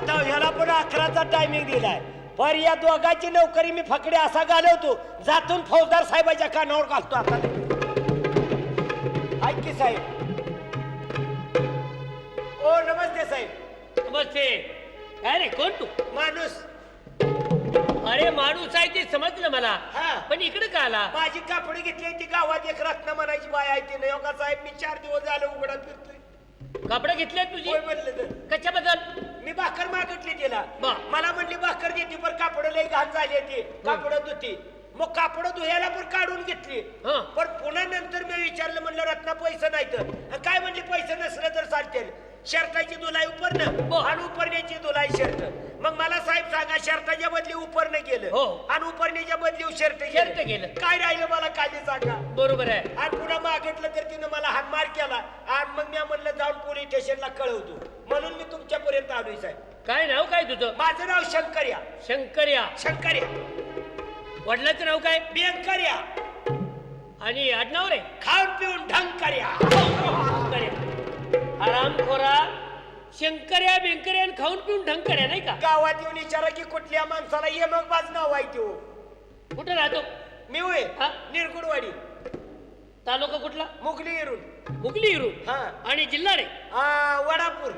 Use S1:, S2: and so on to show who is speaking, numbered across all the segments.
S1: आता ह्याला पण 11चा टायमिंग दिलाय. पर या दोघांची नोकरी मी फकडे असा घालवतो, जातून फौजदार साहेबाच्या कानावर घालतो. आता ऐक की साहेब. ओ नमस्ते साहेब.
S2: नमस्ते. काय रे, कोण तू?
S1: माणूस.
S2: अरे माणूस आहे ते समजलं मला,
S1: हा.
S2: पण इकडे का आला?
S1: माझी कापडी घेतली ती गावात एक रत्न म्हणायची बाय आहे ती नाही हो का साहेब. मी 4 दिवस झाले उघडा फिरतोय.
S2: कापडं घेतली तुझी?
S1: होय म्हणलं तर.
S2: कशाबद्दल?
S1: मी भाकर मागितली तिला.
S2: बा.
S1: मला म्हणली भाकर देते पण कापड लई घाण झाली ती. कापड धुती. मग कापड धुयाला पण काढून घेतली.
S2: हं.
S1: पण पुन्हा नंतर मी विचारलं, म्हणलं रत्ना पैसे नाही तर काय म्हणली, पैसे नसलं तर चालतील. शर्टाची धुलाई उपरणं
S2: बर.
S1: आणि उपरण्याची धुलाई शर्ट. मग मला साहेब सांगा, शर्टाच्या बदली उपरणं गेलं
S2: हो.
S1: आणि उपरण्याच्या बदली शर्ट
S2: शर्ट गेलं.
S1: काय राहिलं मला काही सांगा.
S2: बरोबर आहे.
S1: आणि पुन्हा मागितलं तर तिनं मला हातमार केला आणि मग मी म्हणलं जाऊन पोलीस स्टेशनला कळवतो. म्हणून मी तुमच्यापर्यंत आलोय साहेब.
S2: काय नाव काय तुझं?
S1: माझं नाव शंकर्या.
S2: शंकर्या.
S1: शंकर्या.
S2: वडिलाचं नाव काय?
S1: बियंकर्या.
S2: आणि आडनाव रे?
S1: खाऊन पिऊन ढंकर्या.
S2: शंकर्या. आरामखोरा शंकर्या बेंकर्या आणि खाऊन पिऊन ढंकर्या, नाही का?
S1: गावात येऊन विचारा की कुठल्या माणसाला ये मग बाज नाव आहे तो.
S2: कुठं राहतो?
S1: मी होय
S2: हा?
S1: निरगुडवाडी.
S2: तालुका कुठला?
S1: मुगली येरून.
S2: हुगली हिरू.
S1: हा.
S2: आणि जिल्हा रे?
S1: वडापूर.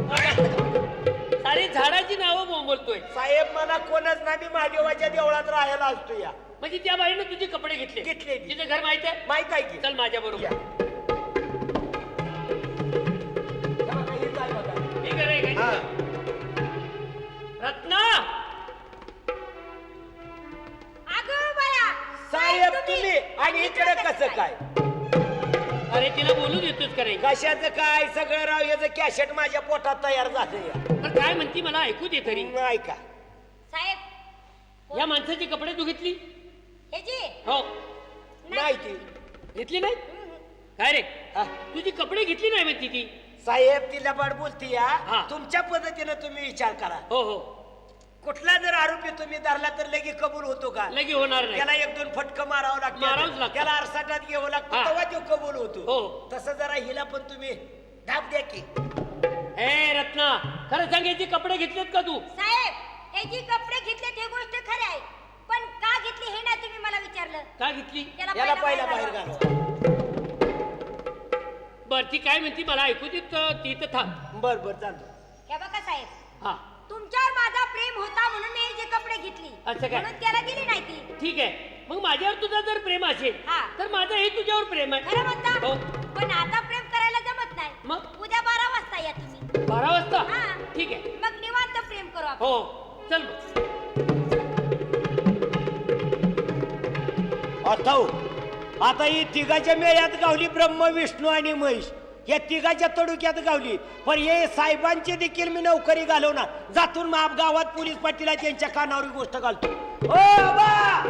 S2: सारी झाडाची नावं बोलतोय
S1: साहेब मला कोणच नाही, मी महादेवाच्या देवळात राहायला असतो या.
S2: म्हणजे त्या बाईनं तुझे कपडे घेतले?
S1: घेतले.
S2: तिचं घर माहित आहे?
S1: माहित आहे की.
S2: चल माझ्या बरोबर. मी घर आहे काय? रत्ना.
S1: साहेब तुम्ही आणि इकडे कसं काय?
S2: अरे तिला बोलू देतोस का रे?
S1: कशाचं काय सगळं राव, याचं कॅसेट माझ्या पोटात तयार झालं या.
S2: पण काय म्हणती मला ऐकू दे तरी.
S1: नाही का
S3: साहेब
S2: या माणसाची कपडे तू घेतली?
S3: हे जी
S2: हो.
S1: नाही ती.
S2: घेतली नाही? काय रे,
S1: हा.
S2: तुझी कपडे घेतली नाही म्हणती ती?
S1: साहेब ती लबाड बोलती या.
S2: हा.
S1: तुमच्या पद्धतीनं तुम्ही विचार करा.
S2: हो हो.
S1: कुठला जर आरोपी तुम्ही धरला तर लगे कबूल होतो का?
S2: लगे होणार नाही.
S1: त्याला 1-2 फटकं मारावं
S2: मारावंच
S1: लागतं.
S2: लागतं.
S1: त्याला आरसाटात घ्यावं लागतं,
S2: हा.
S1: तेव्हा तो कबूल होतो.
S2: हो.
S1: तसं जरा हिला पण तुम्ही धाप द्या की.
S2: ए रत्ना, खरं सांग, याचे कपडे घेतलेत का तू?
S3: साहेब हे जी कपडे घेतले ते गोष्ट खरी आहे, पण का घेतली हे ना तुम्ही मला विचारलं.
S2: का घेतली?
S1: याला पहिला बाहेर घालवा.
S2: बर ती काय म्हणती मला ऐकू दे, ती तर थांब.
S1: बर बर चालतो.
S3: हे बघा साहेब,
S2: हा
S3: तुमच्यावर माझा प्रेम होता म्हणून मी हे जे कपडे घेतली,
S2: असं काय?
S3: म्हणून त्याला दिली नाही ती.
S2: ठीक आहे. मग माझ्यावर तुझं जर प्रेम असेल
S3: हा.
S2: तर माझं हे तुझ्यावर प्रेम आहे.
S3: खरं म्हणता?
S2: हो.
S3: पण आता प्रेम करायला जमत नाही.
S2: मग?
S3: उद्या 12 वाजता या तुम्ही.
S2: 12 वाजता?
S3: हा.
S2: ठीक आहे.
S3: मग निवांत प्रेम करू आपण.
S2: हो चल मग.
S1: आता ही तिघाच्या मेळ्यात गावली ब्रह्म विष्णू आणि महेश. या तिघाच्या तडुक्यात गावली. पण हे साहेबांची देखील मी नोकरी घालवणार. जातून मग गावात पोलीस पाटीला त्यांच्या कानावर ही गोष्ट घालतो. ओ आबा,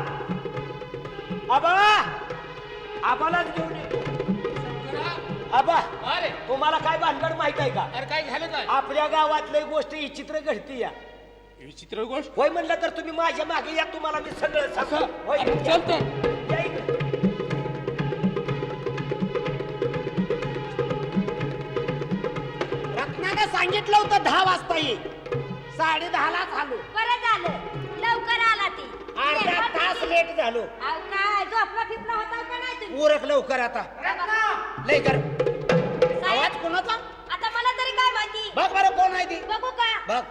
S1: आबा, आबालाच घेऊन येतो. आबा,
S2: अरे
S1: तुम्हाला काय भानगड माहित आहे का?
S2: अरे काय झालं काय?
S1: आपल्या गावातली गोष्ट विचित्र घडती या.
S2: विचित्र गोष्ट?
S1: होय म्हणलं तर तुम्ही माझ्या मागे या, तुम्हाला मी सगळं सांगतो. होय,
S2: अरे,
S1: या.
S2: चल तर.
S1: या इकडे. रत्नाने सांगितलं होतं 10 वाजता ये. 10:30ला झालो.
S3: बरं झालं लवकर आला ती.
S1: अर्धा तास लेट झालो.
S3: अहो काय झोपला फिपला होता का नाही तुम्ही?
S1: उरक लवकर आता. लय कर.
S3: साहेब,
S1: आवाज कोणाचा?
S3: आता मला तरी काय माहिती.
S1: बघ बरं कोण आहे ती.
S3: बघू का?
S1: बघ.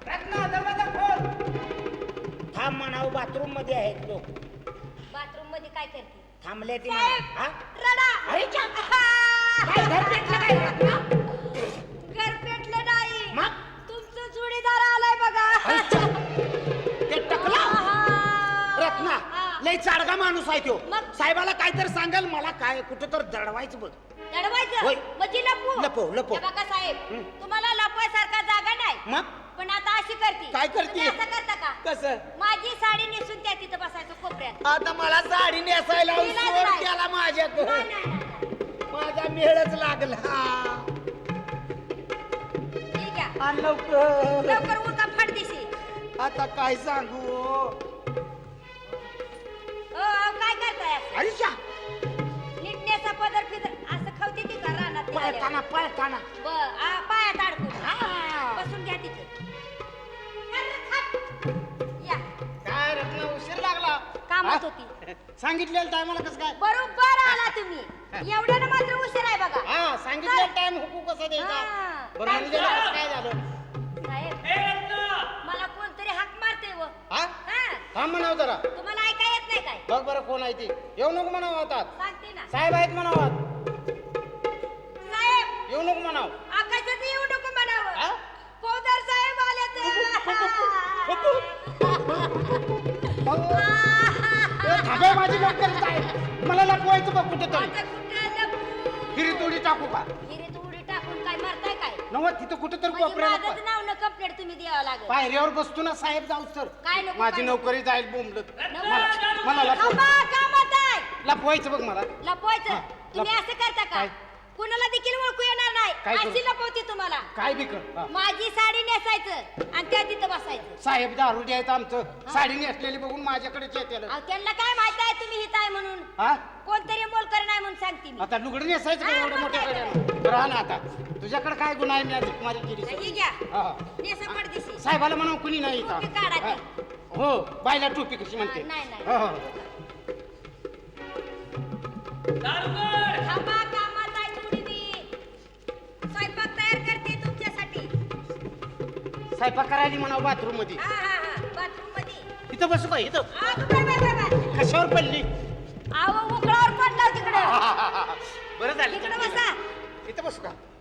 S1: थांब म्हणावं, बाथरूम मध्ये आहेत लोक.
S3: बाथरूम मध्ये काय करते?
S1: थांबले ती
S3: साहेब,
S1: म्हणा. हा?
S3: रडा.
S1: अरे च्या.
S3: आहा.
S1: काय घर पेटलं काय रत्ना?
S3: घर पेटलं नाही.
S1: मग?
S3: तुमचं जोडीदार आलाय बघा.
S1: अरे च्या. ते टकला
S3: आहा.
S1: रत्ना.
S3: हा.
S1: लय चाडगा माणूस आहे तो.
S3: मग?
S1: साहेबाला काहीतरी सांगाल, मला काय कुठं तर दडवायचं बघ.
S3: लढवायचं?
S1: होय.
S3: म्हणजे लपवू?
S1: लपव, लपव.
S3: हे बघा साहेब,
S1: हं.
S3: तुम्हाला लपवायसारखा जागा नाही.
S1: मग
S3: पण आता अशी करते.
S1: काय करते?
S3: तुम्ही असं करता का?
S1: कसं?
S3: माझी साडी नेसून त्या तिथं बसायचं कोपऱ्यात.
S1: आता मला साडी नेसायला
S3: तिला
S1: सोड
S3: नाही.
S1: त्याला माझ्याकडे.
S3: नाही, नाही, नाही.
S1: माझा मेळच लागला.
S3: ठीक आहे.
S1: आण लवकर.
S3: लवकर उरका फडदिशी.
S1: आता काय सांगू?
S3: अहो, काय करताय असं?
S1: अरे च्या.
S3: नीट नेसा पदर फिदर असं खवते ती का रानात?
S1: पळताना पळताना.
S3: पायात अडकून.
S1: हा.
S3: बसून घ्या तिथं. म्हणत होती
S4: सांगितलेलं टायमाला कसं काय
S3: बरोबर आला तुम्ही एवढ्यानं मात्र उशीर आहे बघा
S4: हा सांगितलेलं टाइम हुकू कसा द्यायचा
S3: हा.
S4: बरं आणि त्याला कसं काय झालं
S3: साहेब
S2: ए रत्ना
S3: मला कोणतरी हाक मारते व
S4: हा
S3: हा
S4: थांब म्हणाव जरा
S3: तुम्हाला ऐका येत नाही काय
S4: बघ बरं कोण आहे ते येऊ नको म्हणावं आता
S3: सांगते ना
S4: साहेब आहेत म्हणावं
S3: साहेब
S4: येऊ नको म्हणाव
S3: आकाशात येऊ नको म्हणावं
S4: हा?
S3: फौजदार साहेब आले
S4: थांबे माझी लवकर आहे मला लपवायचं बघ कुठे तरी फिरी तोडी टाकू का
S3: उडी टाकून काय मारताय काय
S4: नव्हत तिथं कुठे तर
S3: म्हणजे
S4: कोपऱ्याला
S3: माझंच नाव न कंप्लेंट तुम्ही द्यावं लागेल
S4: पायऱ्यावर बसतो ना साहेब जाऊ सर
S3: काय नको,
S4: माझी
S3: काय
S4: नोकरी जाईल बोंबलत
S2: रत्ना,
S4: मला
S3: थांबा, कामात आहे.
S4: लपवायचं बघ मला
S3: लपवायचं
S4: हा,
S3: तुम्ही असं करता का
S4: काय?
S3: कुणाला देखील ओळखू येणार नाही
S4: काय करू?
S3: अशी लपवते तुम्हाला
S4: काय बी कर हा.
S3: माझी साडी नेसायचं आणि त्या तिथं बसायचं
S4: साहेब दारू द्यायचं आमचं साडी नेसलेली बघून माझ्याकडेच येते
S3: अहो, त्यांना काय माहित आहे तुम्ही हित आहे म्हणून
S4: हा
S3: कोणतरी मोलकर नाही म्हणून सांगते मी
S4: आता लुगडं नेसायचं का
S3: हा,
S4: एवढं
S3: मग
S4: मोठ्या
S3: काय
S4: गड्यानं राहा ना आता तुझ्याकडे काय गुन्हा आहे मी आज माझी केली
S3: ही
S4: सर.
S3: घ्या
S4: हा, हा.
S3: नेसा पडदिशी
S4: साहेबाला म्हणा कुणी नाही
S3: टोपी काढा
S4: का
S3: ती.
S4: हो बायला टोपी कशी म्हणते
S3: नाही, नाही.
S4: हो, हो.
S2: दारुगड
S3: थांबा कामात आहे थोडी मी स्वयंपाक तयार करते तुमच्यासाठी
S4: स्वयंपाक करायला म्हणा बाथरूम मध्ये
S3: हा हा हा बाथरूम मध्ये
S4: इथं बसू का इथं
S3: बाय
S4: कशावर पडली
S3: आव उकळावर पडला तिकडं
S4: बरं झालं
S3: इकडं बसा
S4: इथं बसू का